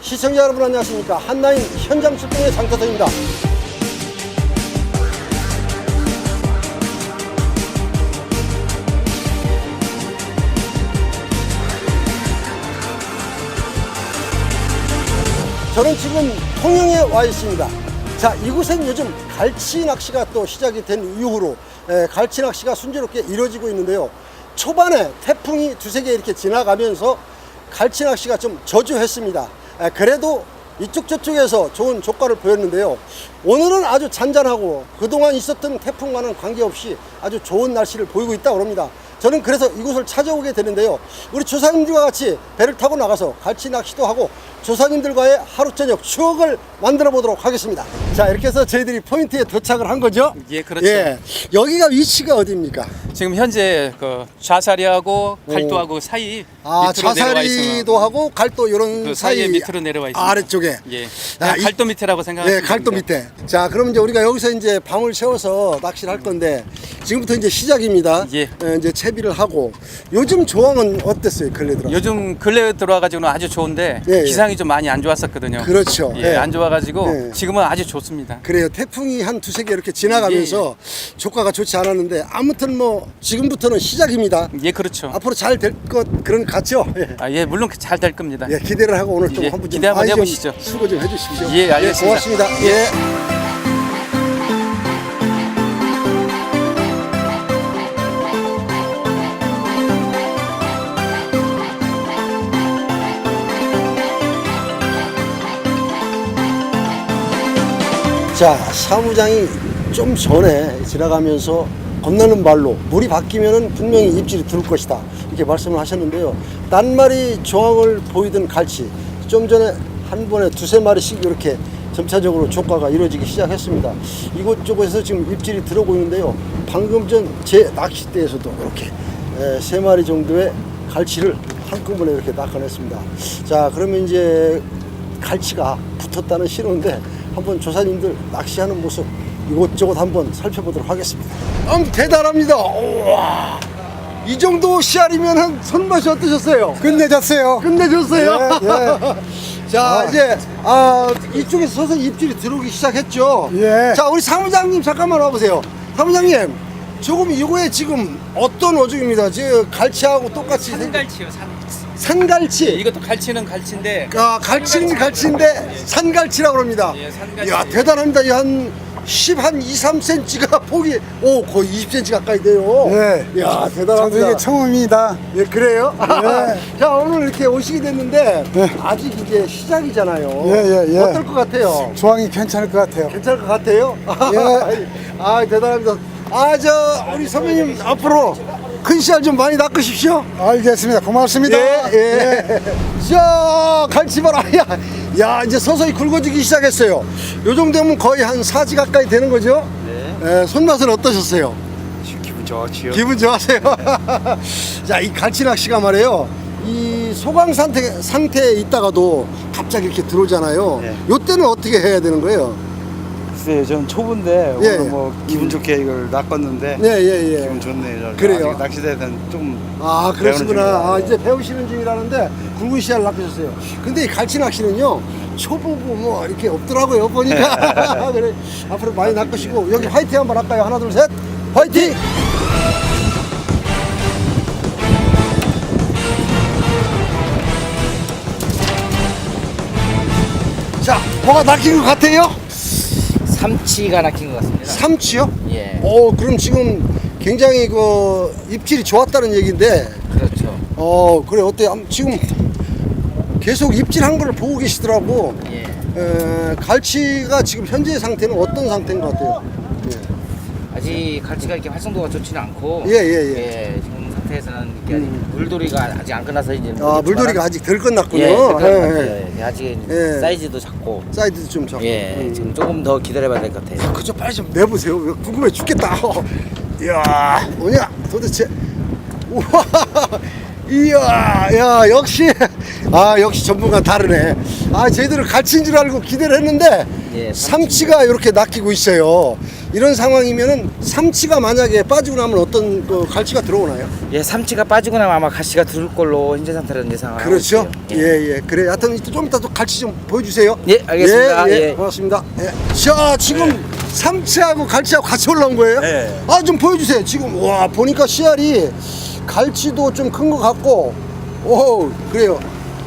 시청자 여러분 안녕하십니까. 한라인 현장 출동의 장터서입니다. 저는 지금 통영에 와 있습니다. 자, 이곳엔 요즘 갈치 낚시가 또 시작이 된 이후로 갈치 낚시가 순조롭게 이루어지고 있는데요. 초반에 태풍이 두세 개 이렇게 지나가면서 갈치 낚시가 좀 저조했습니다. 그래도 이쪽 저쪽에서 좋은 조과를 보였는데요. 오늘은 아주 잔잔하고 그동안 있었던 태풍과는 관계없이 아주 좋은 날씨를 보이고 있다고 합니다. 저는 그래서 이곳을 찾아오게 되는데요. 우리 조사님들과 같이 배를 타고 나가서 갈치 낚시도 하고 조사님들과의 하루 저녁 추억을 만들어 보도록 하겠습니다. 자, 이렇게 해서 저희들이 포인트에 도착을 한 거죠. 예, 그렇죠. 예, 여기가 위치가 어디입니까? 지금 현재 그 좌사리하고 갈도하고 사이 아, 밑으로 내려와 있어요. 좌사리도 하고 갈도 이런 그 사이 사이에 밑으로 내려와 있습니다. 아래쪽에. 예. 아, 갈도 밑에라고 생각하시면 네, 갈도 됩니다. 밑에. 자, 그럼 이제 우리가 여기서 이제 밤을 새워서 낚시를 할 건데 지금부터 이제 시작입니다. 예. 이제 채비를 하고 요즘 조항은 어땠어요, 근래 들어? 요즘 근래 들어와가지고는 아주 좋은데 예, 예. 기상이 좀 많이 안 좋았었거든요. 그렇죠. 예, 예. 안 좋아가지고 예. 지금은 아주 좋습니다. 그래요. 태풍이 한 두세 개 이렇게 지나가면서 조과가 좋지 않았는데 아무튼 뭐 지금부터는 시작입니다. 예, 그렇죠. 앞으로 잘 될 것 그런 것 같죠? 예. 아, 예, 물론 잘 될 겁니다. 예, 기대를 하고 오늘 좀 예, 한번 좀 기대 한번 많이 좀 해보시죠. 수고 좀 해주십시오. 예, 알겠습니다. 고맙습니다. 예. 자, 사무장이 좀 전에 지나가면서 건너는 발로 물이 바뀌면은 분명히 입질이 들을 것이다 이렇게 말씀을 하셨는데요. 딴 마리 조항을 보이던 갈치 좀 전에 한 번에 두세 마리씩 이렇게 점차적으로 조과가 이루어지기 시작했습니다. 이곳저곳에서 지금 입질이 들어오고 있는데요. 방금 전 제 낚싯대에서도 이렇게 세 마리 정도의 갈치를 한꺼번에 이렇게 낚아냈습니다. 자, 그러면 이제 갈치가 붙었다는 신호인데 한번 조사님들 낚시하는 모습 이곳저곳 한번 살펴보도록 하겠습니다. 대단합니다. 우와, 이 정도 씨알이면 손맛이 어떠셨어요? 끝내줬어요. 끝내줬어요. 예, 예. 자, 이제 이쪽에서 서서히 입질이 들어오기 시작했죠. 예. 자, 우리 사무장님 잠깐만 와보세요. 사무장님, 조금 이거에 지금 어떤 어종입니다. 지금 갈치하고 똑같이 산갈치요, 산갈치. 이것도 갈치는 갈치인데 갈치는 갈치인데 산갈치라고 합니다. 예, 산갈치. 이야, 대단합니다. 한 2, 3cm가 폭이 거의 20cm 가까이 돼요. 예. 이야, 저도 대단합니다. 이게 처음입니다. 예, 그래요? 예. 자, 오늘 이렇게 오시게 됐는데 예. 아직 이제 시작이잖아요. 예, 예. 어떨 것 같아요? 조항이 괜찮을 것 같아요. 괜찮을 것 같아요? 예. 대단합니다. 우리 선배님 앞으로 큰 씨알 좀 많이 낚으십시오. 알겠습니다. 고맙습니다. 예. 자, 갈치 봐라. 야, 이제 서서히 굵어지기 시작했어요. 요 정도면 거의 한 4지 가까이 되는 거죠? 네. 손맛은 어떠셨어요? 기분 좋지요. 기분 좋아하세요? 자, 이 갈치 낚시가 말이에요. 이 소강 상태에 있다가도 갑자기 이렇게 들어오잖아요. 네. 요 때는 어떻게 해야 되는 거예요? 글쎄요, 저는 초보인데 예. 오늘 뭐 기분 좋게 이걸 낚았는데 예. 기분 좋네요. 그래요? 아직 낚시대에 대한 좀 그러시구나. 배우는 중이라. 이제 배우시는 중이라는데 굵은 씨알 낚으셨어요. 근데 이 갈치 낚시는요, 초보고 뭐 이렇게 없더라고요, 보니까. 그래, 앞으로 많이 낚으시고, 여기 화이팅 한번 할까요? 하나, 둘, 셋. 화이팅! 자, 뭐가 낚인 것 같아요? 삼치가 낚인 것 같습니다. 삼치요? 예, 그럼 지금 굉장히 그 입질이 좋았다는 얘기인데, 그렇죠. 그래, 어때요? 지금 계속 입질한 걸 보고 계시더라고. 예, 갈치가 지금 현재 상태는 어떤 상태인 것 같아요? 아직 갈치가 이렇게 활성도가 좋지는 않고, 예. 지금 상태에서는 이렇게 아직 물돌이가 아직 안 끝나서 이제 물돌이가 아직 덜 끝났군요. 예, 덜 예, 끝났어요. 예. 예, 아직 예. 사이즈도 작고, 사이드도 좀 작고. 예, 지금 조금 더 기다려봐야 될 것 같아요. 그죠, 빨리 좀 내보세요. 궁금해 죽겠다. 이야, 뭐냐, 도대체. 우와, 이야, 야, 역시 전문가 다르네. 저희들은 갈치인 줄 알고 기대를 했는데, 예, 삼치가 이렇게 낚이고 있어요. 이런 상황이면은 삼치가 만약에 빠지고 나면 어떤 그 갈치가 들어오나요? 예, 삼치가 빠지고 나면 아마 갈치가 들을 걸로 현재 상태로는 예상을 하고 그렇죠. 있어요. 예. 그래. 하여튼 좀 이따 또 갈치 좀 보여주세요. 예, 알겠습니다. 예. 예. 고맙습니다. 예. 자, 지금 삼치하고 갈치하고 같이 올라온 거예요? 네. 아, 좀 보여주세요. 지금 와 보니까 씨알이 갈치도 좀 큰 것 같고, 오 그래요.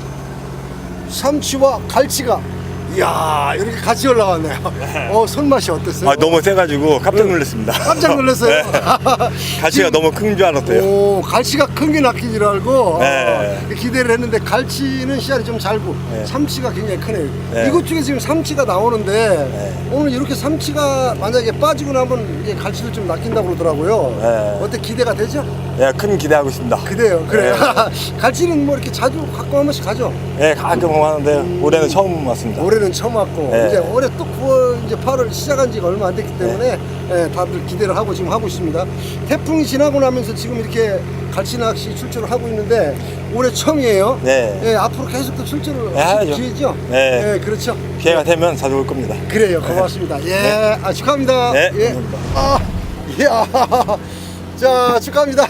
삼치와 갈치가 이야 이렇게 같이 올라왔네요. 손맛이 어땠어요? 아, 너무 세가지고 깜짝 놀랐습니다. 깜짝 놀랐어요. 갈치가 지금- 너무 큰 줄 알았어요. 오, 갈치가 큰 게 낚인 줄 알고 네. 기대를 했는데 갈치는 씨알이 좀 잘고 네. 삼치가 굉장히 크네요. 네. 이것 중에 지금 삼치가 나오는데 네. 오늘 이렇게 삼치가 만약에 빠지고 나면 이제 갈치도 좀 낚인다고 그러더라고요. 네. 어때 기대가 되죠? 예, 큰 기대하고 있습니다. 그래요. 네. 갈치는 뭐 이렇게 자주 갖고 한 번씩 가죠? 예, 가끔 하는데 올해는 처음 왔습니다. 올해는 처음 왔고 네. 이제 올해 또 9월 이제 8월 시작한 지가 얼마 안 됐기 때문에 예, 다들 기대를 하고 지금 하고 있습니다. 태풍이 지나고 나면서 지금 이렇게 갈치 낚시 출조를 하고 있는데 올해 처음이에요. 네. 예, 앞으로 계속 또 출조를 네, 하실 하죠. 기회죠? 네. 예, 그렇죠. 기회가 되면 자주 올 겁니다. 그래요. 고맙습니다. 예, 아, 축하합니다. 네, 예. 감사합니다. 아, 이야. 자, 축하합니다.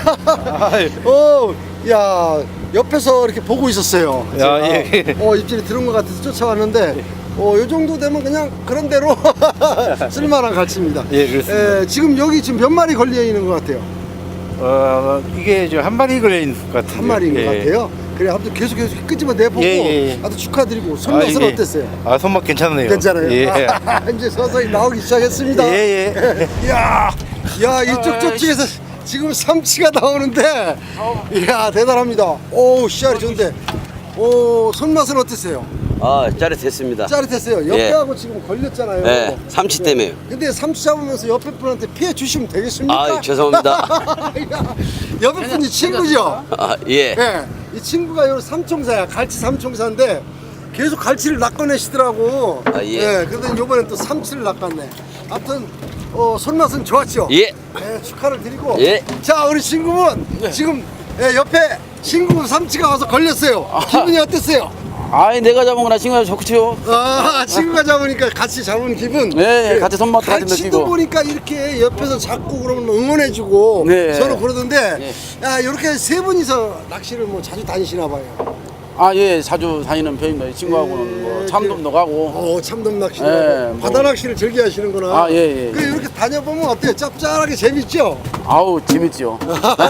야, 옆에서 이렇게 보고 있었어요. 야, 제가. 예. 입질이 들은 것 같아서 쫓아왔는데, 요 정도 되면 그냥 그런 대로 쓸만한 갈치입니다. 예, 그렇습니다. 지금 여기 지금 몇 마리 걸려 있는 것 같아요? 이게 저 한 마리 걸려 있는 것 같은데. 한 마리인 것 같아요. 그래, 아무튼 계속 끄집어 내보고, 예. 아주 축하드리고, 손맛은 어땠어요? 손맛 괜찮네요. 괜찮아요. 예. 이제 서서히 나오기 시작했습니다. 예. 이야, 이쪽 저쪽에서 지금 삼치가 나오는데, 이야 대단합니다. 오, 씨알이 좋은데, 오, 손맛은 어땠어요? 짜릿했습니다. 짜릿했어요. 옆에하고 지금 걸렸잖아요. 네, 삼치 때문에요. 근데 삼치 잡으면서 옆에 분한테 피해 주시면 되겠습니까? 아, 죄송합니다. 옆에 분이 친구죠? 예. 네, 이 친구가 요 삼총사야. 갈치 삼총사인데 계속 갈치를 낚아내시더라고. 아, 예. 그러더니 이번엔 또 삼치를 낚았네. 아무튼 손맛은 좋았죠? 예. 네, 축하를 드리고. 예. 자, 우리 친구분 지금 옆에 친구 삼치가 와서 걸렸어요. 기분이 어땠어요? 아이, 내가 잡은 거나 친구가 좋지요. 친구가 잡으니까 같이 잡은 기분. 네, 같이 손맛도 같이 갈치도 느끼고. 보니까 이렇게 옆에서 잡고 그러면 응원해주고 네. 서로 그러던데 네. 야, 이렇게 세 분이서 낚시를 뭐 자주 다니시나 봐요. 예, 자주 다니는 편입니다. 이 친구하고는 뭐 참돔도 가고. 참돔 낚시도 네, 하고 뭐. 바다 낚시를 즐겨 하시는구나. 예. 그 이렇게 다녀보면 어때요? 짭짤하게 재밌죠? 아우, 재밌지요.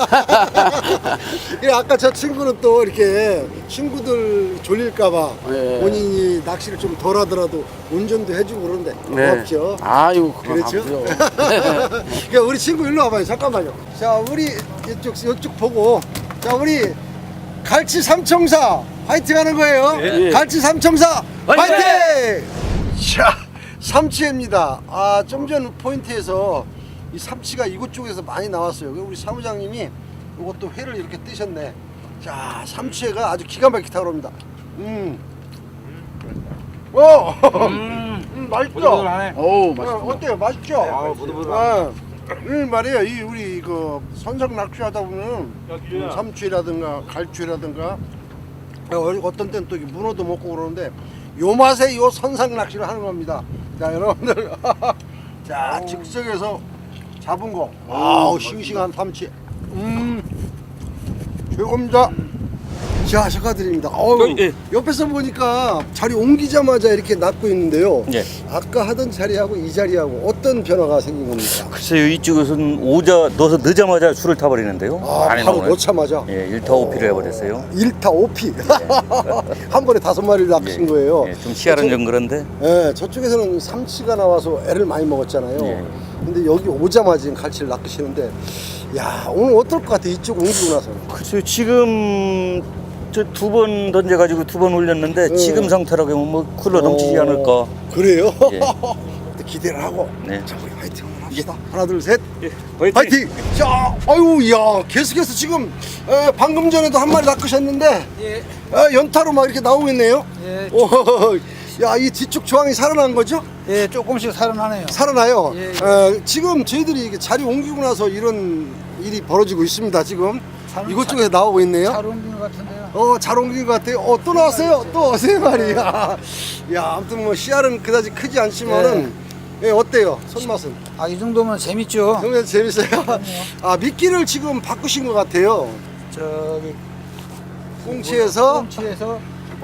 아까 저 친구는 또 이렇게 친구들 졸릴까봐 네. 본인이 낚시를 좀 덜 하더라도 운전도 해주고 그러는데 고맙죠. 아유, 그렇죠? 그렇죠. 그러니까 우리 친구 일로 와봐요. 잠깐만요. 자, 우리 이쪽 보고, 자, 우리 갈치 삼총사 화이팅 하는 거예요. 예. 갈치 삼총사 화이팅! 화이팅! 자, 삼치회입니다. 좀 전 포인트에서 이 삼치가 이곳 쪽에서 많이 나왔어요. 우리 사무장님이 이것도 회를 이렇게 뜨셨네. 자, 삼치회가 아주 기가 막히게 타오릅니다. 맛있죠? 어우, 맛있어. 어때요? 맛있죠? 보들보들. 말이에요. 이 우리 그 선상 낚시하다 보면 삼치라든가 갈치라든가 어떤 때는 또 문어도 먹고 그러는데 요 맛에 요 선상 낚시를 하는 겁니다. 자, 여러분들 자, 즉석에서 잡은 거. 아우, 싱싱한 삼치. 최고입니다. 자, 축하드립니다. 옆에서 보니까 자리 옮기자마자 이렇게 낚고 있는데요. 예. 아까 하던 자리하고 이 자리하고 어떤 변화가 생긴 겁니까? 글쎄요, 이쪽에서는 넣어서 넣자마자 술을 타버리는데요. 안에 바로 나오네. 넣자마자 예, 1타 5피를 해버렸어요. 1타 5피. 한 번에 5마리를 낚으신 거예요. 예, 좀 시야는 좀 그런데. 예, 저쪽에서는 삼치가 나와서 애를 많이 먹었잖아요. 예. 근데 여기 오자마자 지금 갈치를 낚으시는데, 야, 오늘 어떨 것 같아? 이쪽 옮기고 나서. 글쎄요, 지금 저 2번 던져가지고 2번 올렸는데 지금 상태라고 하면 뭐 쿨러 넘치지 않을까. 그래요? 예. 기대를 하고. 네. 자, 우리 화이팅 한번 합시다. 하나, 둘, 셋. 화이팅! 자, 아유, 야, 계속해서 지금 방금 전에도 한 마리 낚으셨는데, 연타로 막 이렇게 나오고 있네요. 예. 야, 이 뒤쪽 조항이 살아난 거죠? 예, 조금씩 살아나네요. 살아나요. 예. 지금 저희들이 이게 자리 옮기고 나서 이런 일이 벌어지고 있습니다. 지금 이곳 쪽에서 나오고 있네요. 잘 옮긴 것 같은데요. 잘 옮긴 것 같아요. 또 나왔어요. 또 세 마리. 야, 아무튼 뭐 씨알은 그다지 크지 않지만은 예, 어때요? 손맛은? 아, 이 정도면 재밌죠. 정말 재밌어요. 아, 미끼를 지금 바꾸신 것 같아요. 저기 꽁치에서 꽁치에서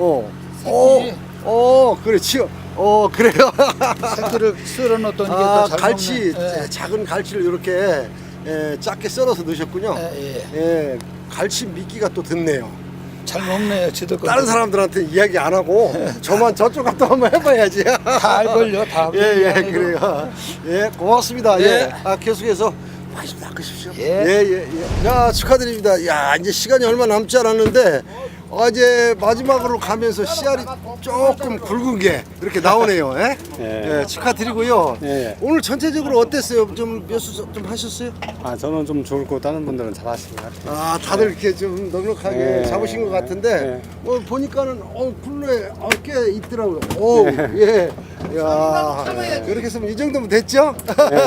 그렇지요. 그래요. 새끼를 썰어 놓던 이게 아, 더잘 갈치, 먹는. 예. 작은 갈치를 이렇게 작게 썰어서 넣으셨군요. 예, 갈치 미끼가 또 듣네요. 잘 먹네요. 지들 거. 다른 사람들한테 이야기 안 하고 저만 저쪽 갔다 한번 해봐야지. 다 알걸요. 다. 예, 그래요. 예, 고맙습니다. 예. 아, 계속해서 많이 좀 낚으십시오. 예. 자, 축하드립니다. 야, 이제 시간이 얼마 남지 않았는데, 이제 마지막으로 가면서 씨알이 조금 굵은 게 이렇게 나오네요. 예? 예, 축하드리고요. 예. 오늘 전체적으로 어땠어요? 좀 몇 수 좀 하셨어요? 아 저는 좀 좋고 다른 분들은 잘하신 것 같아요. 아, 다들 이렇게 좀 넉넉하게 예. 잡으신 것 같은데, 예. 보니까는, 굴레, 꽤 있더라고요. 오, 예. 야, 이렇게 했으면 이 정도면 됐죠?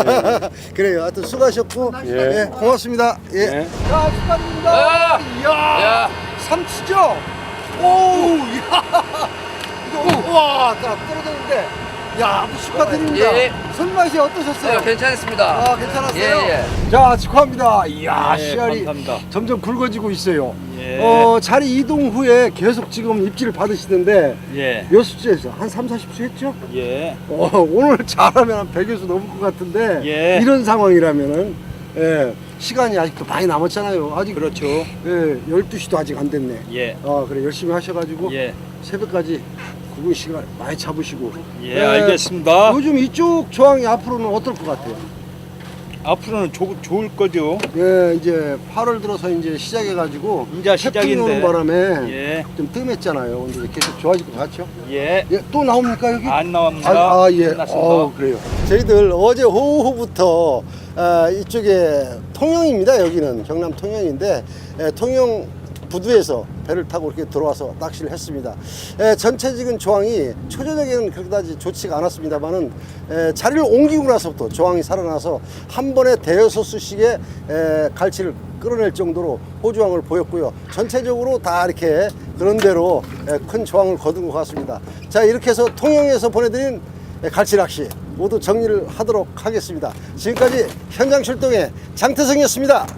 그래요. 하여튼 수고하셨고, 예. 예, 고맙습니다. 예. 예. 자, 축하드립니다. 이야, 삼치죠? 오, 이야. 이거, 우와, 자, 떨어졌는데. 야, 아주 축하드립니다. 예. 손맛이 어떠셨어요? 괜찮습니다. 아, 괜찮았어요? 예. 자, 축하합니다. 이야, 예, 씨알이 감사합니다. 점점 굵어지고 있어요. 예. 자리 이동 후에 계속 지금 입질을 받으시는데 예. 몇 수째 했어요? 한 3, 40수 했죠? 예. 오늘 잘하면 한 100여 수 넘을 것 같은데 예. 이런 상황이라면은 시간이 아직도 많이 남았잖아요. 아직 그렇죠. 12시도 아직 안 됐네. 예. 그래 열심히 하셔가지고 예. 새벽까지 구분 시간 많이 잡으시고. 예, 알겠습니다. 요즘 이쪽 조항이 앞으로는 어떨 것 같아요? 앞으로는 좋을 거죠. 예, 이제 8월 들어서 이제 시작해가지고 이제 시작인데. 태풍이 오는 바람에 예. 좀 뜸했잖아요. 근데 계속 좋아질 것 같죠? 예. 예, 또 나옵니까 여기? 안 나옵니다. 예. 끝났습니다. 그래요. 저희들 어제 오후부터 이쪽에 통영입니다. 여기는 경남 통영인데 통영 부두에서 배를 타고 이렇게 들어와서 낚시를 했습니다. 전체적인 조항이 초저녁에는 그렇게까지 좋지가 않았습니다만은 자리를 옮기고 나서부터 조항이 살아나서 한 번에 대여섯 수씩의 갈치를 끌어낼 정도로 호주항을 보였고요. 전체적으로 다 이렇게 그런 대로 큰 조항을 거둔 것 같습니다. 자, 이렇게 해서 통영에서 보내드린 갈치 낚시 모두 정리를 하도록 하겠습니다. 지금까지 현장 출동의 장태성이었습니다.